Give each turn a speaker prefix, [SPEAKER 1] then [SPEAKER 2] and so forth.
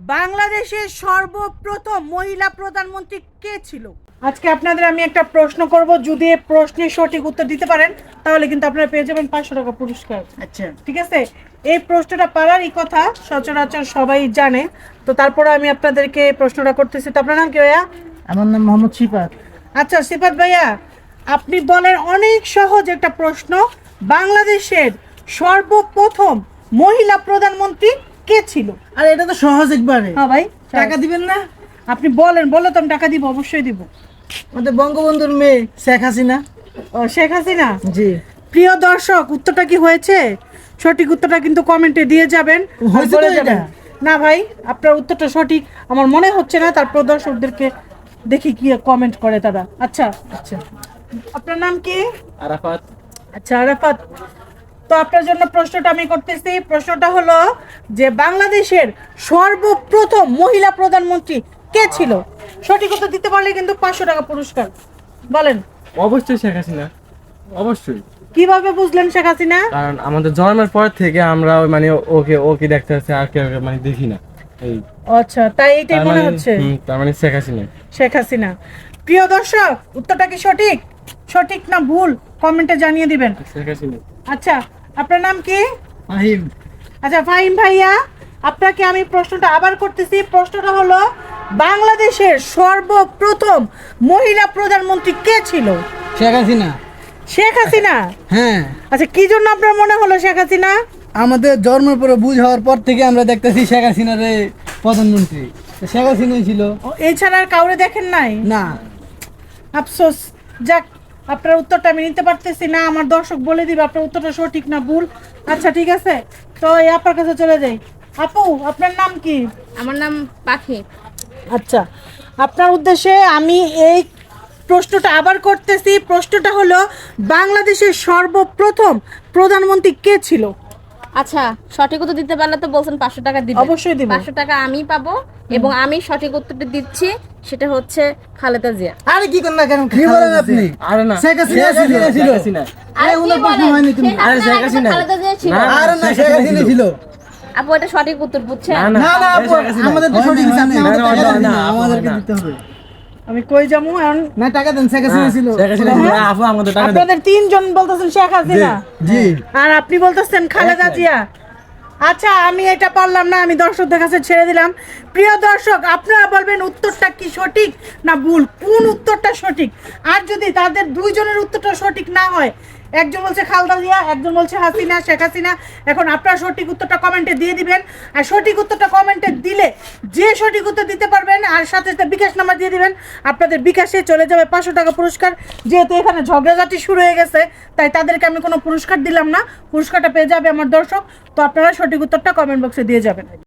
[SPEAKER 1] বাংলাদেশের সর্বপ্রথম মহিলা প্রধানমন্ত্রী কে ছিল? আজকে আপনাদের আমি একটা প্রশ্ন করব, যদি এই প্রশ্নের সঠিক উত্তর দিতে পারেন তাহলে কিন্তু আপনারা পেয়ে যাবেন 500 টাকা পুরস্কার। আচ্ছা ঠিক আছে, এই প্রশ্নটা পারারই কথা সচরাচর সবাই জানে, তো তারপরে আমি আপনাদেরকে প্রশ্নটা করতেছি। তো আপনার নাম কি ভাইয়া?
[SPEAKER 2] আমার নাম মোহাম্মদ সিফাত।
[SPEAKER 1] আচ্ছা সিফাত ভাইয়া, আপনি বলেন অনেক সহজ একটা প্রশ্ন, বাংলাদেশের সর্বপ্রথম মহিলা প্রধানমন্ত্রী কে ছিল?
[SPEAKER 2] আর এটা তো সহজ একবারে।
[SPEAKER 1] হ্যাঁ ভাই,
[SPEAKER 2] টাকা দিবেন না?
[SPEAKER 1] আপনি বলেন, বলে তো আমি টাকা দিব, অবশ্যই দিব।
[SPEAKER 2] আমাদের বঙ্গবন্ধুর মেয়ে শেখ হাসিনা।
[SPEAKER 1] ও শেখ হাসিনা।
[SPEAKER 2] জি।
[SPEAKER 1] প্রিয় দর্শক, উত্তরটা কি হয়েছে? সঠিক উত্তরটা কিন্তু কমেন্টে দিয়ে যাবেন,
[SPEAKER 2] হয়েছে তো
[SPEAKER 1] বলে
[SPEAKER 2] এটা?
[SPEAKER 1] যাবেন। না ভাই, আপনার উত্তরটা সঠিক আমার মনে হচ্ছে না, তারপর দর্শকদেরকে দেখি কি কমেন্ট করে তারা। আচ্ছা
[SPEAKER 2] আচ্ছা,
[SPEAKER 1] আপনার নাম কি?
[SPEAKER 3] আরাফাত।
[SPEAKER 1] আচ্ছা আরাফাত, তো আপনার জন্য প্রশ্নটা আমি করতেছি। প্রশ্নটা হলো যে বাংলাদেশের সর্বপ্রথম মহিলা প্রধানমন্ত্রী কে ছিল? সঠিক উত্তর দিতে পারলে কিন্তু 500 টাকা পুরস্কার। বলেন।
[SPEAKER 3] অবশ্যই শেখ হাসিনা, অবশ্যই।
[SPEAKER 1] কিভাবে বুঝলেন শেখ হাসিনা?
[SPEAKER 3] কারণ আমাদের জন্মের পর থেকে আমরা মানে ওকে ওকে দেখতে হচ্ছে, আর কেউ মানে দেখি না। এই
[SPEAKER 1] আচ্ছা, তাই এইটাই মনে হচ্ছে
[SPEAKER 3] তার মানে শেখ হাসিনা।
[SPEAKER 1] শেখ হাসিনা। প্রিয় দর্শক, উত্তরটা কি সঠিক? সঠিক না ভুল কমেন্টে জানিয়ে দিবেন।
[SPEAKER 3] শেখ হাসিনা।
[SPEAKER 1] আচ্ছা আপনার নাম কি?
[SPEAKER 2] ফাহিম।
[SPEAKER 1] আচ্ছা ফাহিম ভাইয়া, আপনাকে আমি প্রশ্নটা আবার করতেছি। প্রশ্নটা হলো বাংলাদেশের সর্বপ্রথম মহিলা প্রধানমন্ত্রী কে ছিল?
[SPEAKER 2] শেখ হাসিনা।
[SPEAKER 1] শেখ হাসিনা।
[SPEAKER 2] হ্যাঁ,
[SPEAKER 1] আচ্ছা কি জন্য আপনার মনে হলো শেখ হাসিনা?
[SPEAKER 2] আমাদের জন্মের পরে বুঝ হওয়ার পর থেকে আমরা দেখতেছি শেখ হাসিনারে প্রধানমন্ত্রী। তো শেখ হাসিনাই ছিল।
[SPEAKER 1] ও, এছাড়া আর কাউরে দেখেন নাই?
[SPEAKER 2] না।
[SPEAKER 1] আফসোস। যাক, আপনার উত্তরটা আমি নিতে পারতেছি না, আমার দর্শক বলে দিবে আপনার উত্তরটা সঠিক না ভুল। আচ্ছা ঠিক আছে, তো এই আপনার কাছে চলে যাই। আপু আপনার নাম কি?
[SPEAKER 4] আমার নাম পাখি।
[SPEAKER 1] আচ্ছা, আপনার উদ্দেশ্যে আমি এই প্রশ্নটা আবার করতেছি। প্রশ্নটা হলো বাংলাদেশের সর্বপ্রথম প্রধানমন্ত্রী কে ছিল?
[SPEAKER 4] আচ্ছা, সঠিক উত্তর দিতে পারলে তো বলছেন 500 টাকা দিবেন।
[SPEAKER 1] অবশ্যই দিব।
[SPEAKER 4] 500 টাকা আমি পাবো এবং আমি সঠিক উত্তরটা দিচ্ছি, সেটা হচ্ছে খালেদা জিয়া।
[SPEAKER 2] আরে কি করেন না কেন? কি বলেন আপনি?
[SPEAKER 3] আরে না,
[SPEAKER 2] শেখ হাসিনা ছিল।
[SPEAKER 3] শেখ হাসিনা।
[SPEAKER 2] আরে ওনার প্রশ্ন হয়নি তুমি।
[SPEAKER 3] আরে শেখ হাসিনা।
[SPEAKER 4] খালেদা জিয়া ছিল।
[SPEAKER 3] না,
[SPEAKER 2] আরে না, শেখ হাসিনা ছিল।
[SPEAKER 4] আপু এটা সঠিক উত্তর বুঝছেন?
[SPEAKER 3] না, না।
[SPEAKER 2] না না আপু,
[SPEAKER 3] শেখ হাসিনা।
[SPEAKER 2] আমাদের তো সঠিক আছে, আপনি
[SPEAKER 3] না,
[SPEAKER 2] আমাদের
[SPEAKER 3] না,
[SPEAKER 2] টাকা
[SPEAKER 3] না,
[SPEAKER 2] দেন
[SPEAKER 3] না,
[SPEAKER 2] না,
[SPEAKER 3] আপু,
[SPEAKER 2] আমাদেরকে
[SPEAKER 3] না।
[SPEAKER 2] দিতে হবে।
[SPEAKER 1] আমি কই যাবো এখন?
[SPEAKER 2] না টাকা দেন, শেখ হাসিনা ছিল।
[SPEAKER 3] শেখ হাসিনা ছিল। আপু আমাদের টাকা দেন।
[SPEAKER 1] আপনাদের তিনজন বলতেছেন শেখ হাসিনা,
[SPEAKER 2] জি।
[SPEAKER 1] আর আপনি বলতেছেন খালেদা জিয়া। আচ্ছা আমি এটা পারলাম না, আমি দর্শকদের কাছে ছেড়ে দিলাম। প্রিয় দর্শক, আপনারা বলবেন উত্তরটা কি সঠিক না ভুল, কোন উত্তরটা সঠিক। আর যদি তাদের দুইজনের উত্তরটা সঠিক না হয়, একজন বলছে খালেদা জিয়া, একজন বলছে হাসিনা, শেখ হাসিনা, এখন আপনারা সঠিক উত্তরটা কমেন্টে দিয়ে দিবেন। আর সঠিক উত্তরটা কমেন্টে দিলে যে সঠিক উত্তর দিতে পারবেন আর সাথে সাথে বিকাশ নাম্বার দিয়ে দিবেন, আপনাদের বিকাশে চলে যাবে 500 টাকা পুরস্কার। যেহেতু এখানে ঝগড়াঝাটি শুরু হয়ে গেছে, তাই তাদেরকে আমি কোনো পুরস্কার দিলাম না, পুরস্কারটা পেয়ে যাবে আমার দর্শক। তো আপনারা সঠিক উত্তরটা কমেন্ট বক্সে দিয়ে যাবেন।